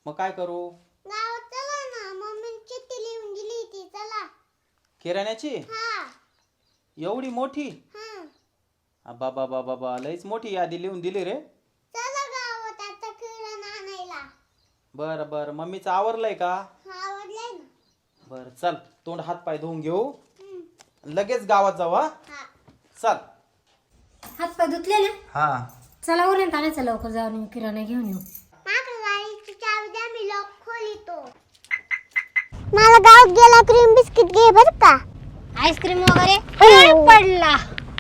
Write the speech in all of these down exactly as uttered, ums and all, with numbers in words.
मग काय करू? गावात चला ना, मम्मी चिठ्ठी लिहून दिली ती. चला. किराण्याची? हा. एवढी मोठी? हा. बाबा बाबा बाबा लईच मोठी यादी लिहून दिली रे. चला गावात आता किराणा आणायला. बर बर मम्मीचं आवरलंय का? हा, आवडलंय ना. बर चल तोंड हात पाय धुवून घेऊ, लगेच गावात जाऊ. हा चल. हात पाय धुतले ना? हा चला उरण आणायचं लवकर जाऊन किराणा घेऊन येऊ. माका गाडीची चावी द्या, मी लॉक खोलितो. मला गावात गेला क्रीम बिस्किट घे बर का. आईस्क्रीम वगैरे काय पडला?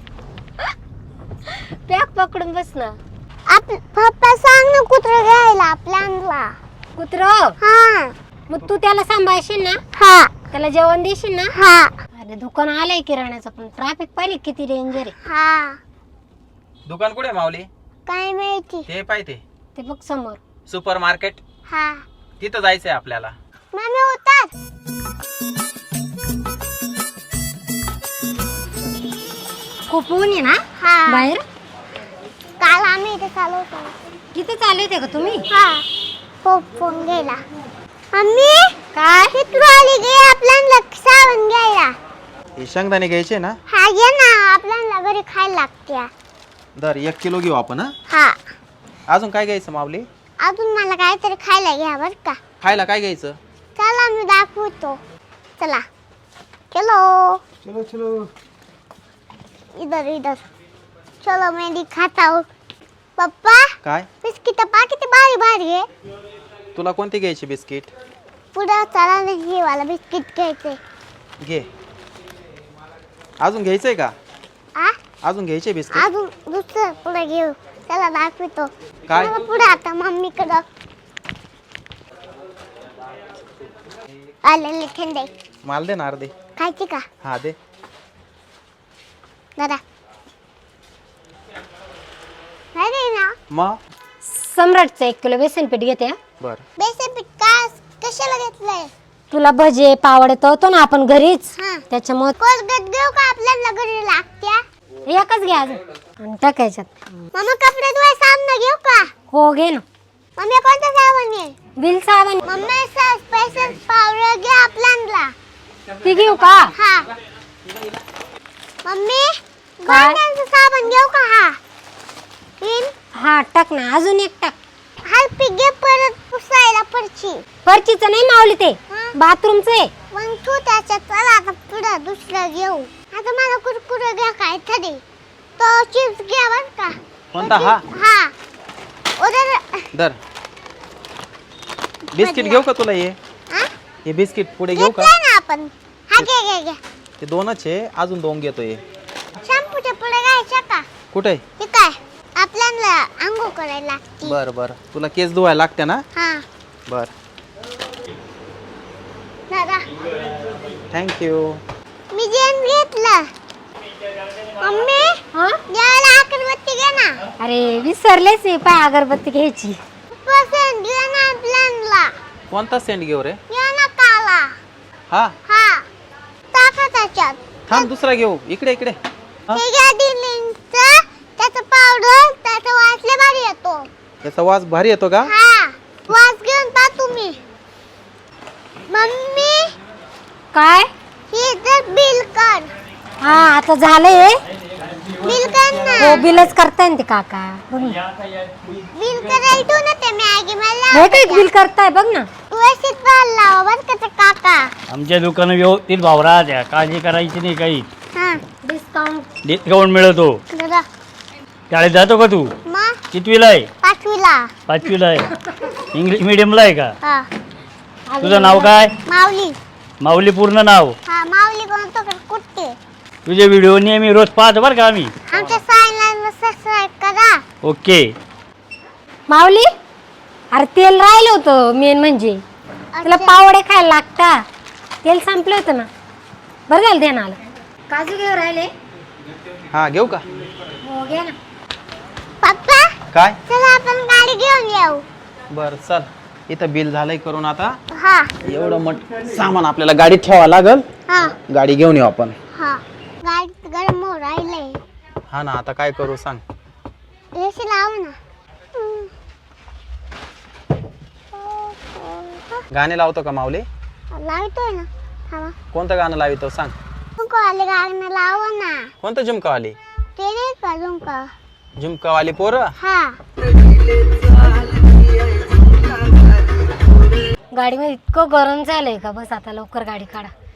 पॅक पकडून बस ना. आप पप्पा सांग ना कुत्र घ्यायला आपल्याला. कुत्र? हा. मग तू त्याला सांभाळशील ना? हा. त्याला जेवण देशील ना? हा. अरे दुकान आलंय किराण्याचं, पण ट्रॅफिक पाहिली किती डेंजर आहे. हा. दुकान कुठे माऊली? काय माहिती. ते पाहिजे ते बघ समोर. सुपर मार्केट, हा. तिथं जायचंय आपल्याला. मम्मी होतात. खूप ऊन आहे ना हा. बाहेर? काल आम्ही इथे चालू होतो. किती चालू होते का तुम्ही? हा. पप फोन घ्यायला. मम्मी काय? किती आली गे आपल्याला साबण घ्यायला. हे शेंगदाणे घ्यायचे ना? हा घे ना, आपल्याला घरी खायला लागते. दर एक किलो घेऊ आपण. हा हा. अजून काय घ्यायचं माऊली? अजून मला काहीतरी खायला घ्या बर का. खायला काय घ्यायचं? चला मी दाखवतो. चला. चलो. चलो चलो. इधर इधर. चलो मैं दिखाता हूँ. पप्पा काय? बिस्किट पा किती भारी भारी आहे. तुला कोणते घ्यायचे बिस्किट? पुढे चला ना, हे वाला बिस्किट घ्यायचे. घे. अजून घ्यायचंय का? आ? अजून घ्यायचे बिस्किट? अजून दुसरं पुढे घेऊ. चला दाखवतो. काय? मला पुढे आता मम्मीकडं. आलेले थंडे. माल दे ना अर्धे. खायची का? हा दे. दादा. नाही दे ना. मग सम्राटचं एक किलो बेसन पीठ घेते. हा? बर. बेसन पीठ का कशाला घेतलंय? तुला भजे पावडे तळतो ना आपण घरीच, हा. त्याच्यामुळे कोलगेट घेऊ का आपल्याला घरी लागत्या? एकच घ्या अजून आणि टाकायच्यात. मम्मी कपडे धुवाय साबण घेऊ का? हो घे ना. मम्मी कोणता साबण आहे? बिल साबण मम्मी स्पेशल पावडर घे आपल्याला. ती घेऊ का? हा. मम्मी काय? गोंड्याचं साबण घेऊ का? हा. तीन. हा टाक ना, अजून एक टाक. हलपी घे परत पुसायला परची. फरचीचं नाही मावली, ते हा. बाथरूमचं आहे. मग तू त्याच्यात चला आता पुढं दुसरं घेऊ. आता मला कुरकुरे घ्या काय तरी. तो चिप्स घ्या बर का. कोणता? हा हा. उधर. दर. बिस्किट घेऊ का तुला? ये हा? हे बिस्किट पुढे घेऊ का? घेतलंय ना आपण. हा घे घे घे. ते दोनच आहे, अजून दोन घेतो. ये शॅम्पूच्या पुढे घ्यायच्या का? कुठे? हे काय आपल्याला आंघोळ करायला लागते. बर बर. तुला केस धुवायला लागते ना? हा. बर. दादा थँक्यू. मी जेन घेतलं. मम्मी हा? द्यायला अगरबत्ती घे ना. अरे विसरलेच आहे, पाय अगरबत्ती घ्यायची. पसंत घे ना आपल्याला. कोणता सेंट घेऊ रे? घे ना काला. हा हा. टाका त्याच्यात. थांब दुसरा घेऊ. इकडे इकडे. हा? हे घ्या दिलींचं. त्याचं पावडर त्याचा वास लय भारी येतो. याचा वास भारी येतो का? हा. वास घेऊन पा तुम्ही. मम्मी काय? हे तर बिल कर. हा आता झालंय. बिल कर ना. हो बिलच करताय ना ते काका. बघ ना. बिल करायला ठेव ना ते मॅगी मला. हे काय बिल करताय बघ ना. व्यवस्थित पाहायला लावा बरं का ते काका. आमच्या दुकानं व्यवस्थित भाव राहत्या, काळजी करायची नाही काही. हा. डिस्काउंट डिस्काउंट मिळतो. दादा शाळेत जातो का तू? मग कितवीला आहे? पाचवीला. पाचवीला आहे. इंग्लिश मिडियमला आहे का? हा. तुझं नाव काय? माऊली. माऊली पूर्ण नाव? हा माऊली कोणतो कुठे? तुझे व्हिडिओ नेहमी रोज पाहतो बरं का आम्ही. आमच्या चॅनलला सबस्क्राइब करा. ओके. माऊली, अरे तेल राहिलं होतं मेन म्हणजे. तुला पावडे खायला लागता, तेल संपलं होतं ना. बरं झालं दे ना आलं. काजू घेऊ राहिले? हा घेऊ का? हो घे ना. पप्पा काय? चला आपण गाडी घेऊन येऊ. बर चल. इथं बिल झालंय करून. आता हा. एवढं मट सामान आपल्याला गाडीत ठेवावं लागल. हा. गाडी घेऊन येऊ आपण. हा. गाडीत गरम हो राहिले. हा ना, आता काय करू सांग. एसी लाव ना. गाणे लावतो का माऊली? लावतोय ना. थांबा. कोणतं गाणं लावितो सांग? झुमकावाले गाणं लावा ना. कोणतं झुमकावाली? ते नाही का झुमका? झुमकावाली पोरं? हा. गाडीमध्ये इतकं गरम झालंय का बस आता लवकर गाडी काढा.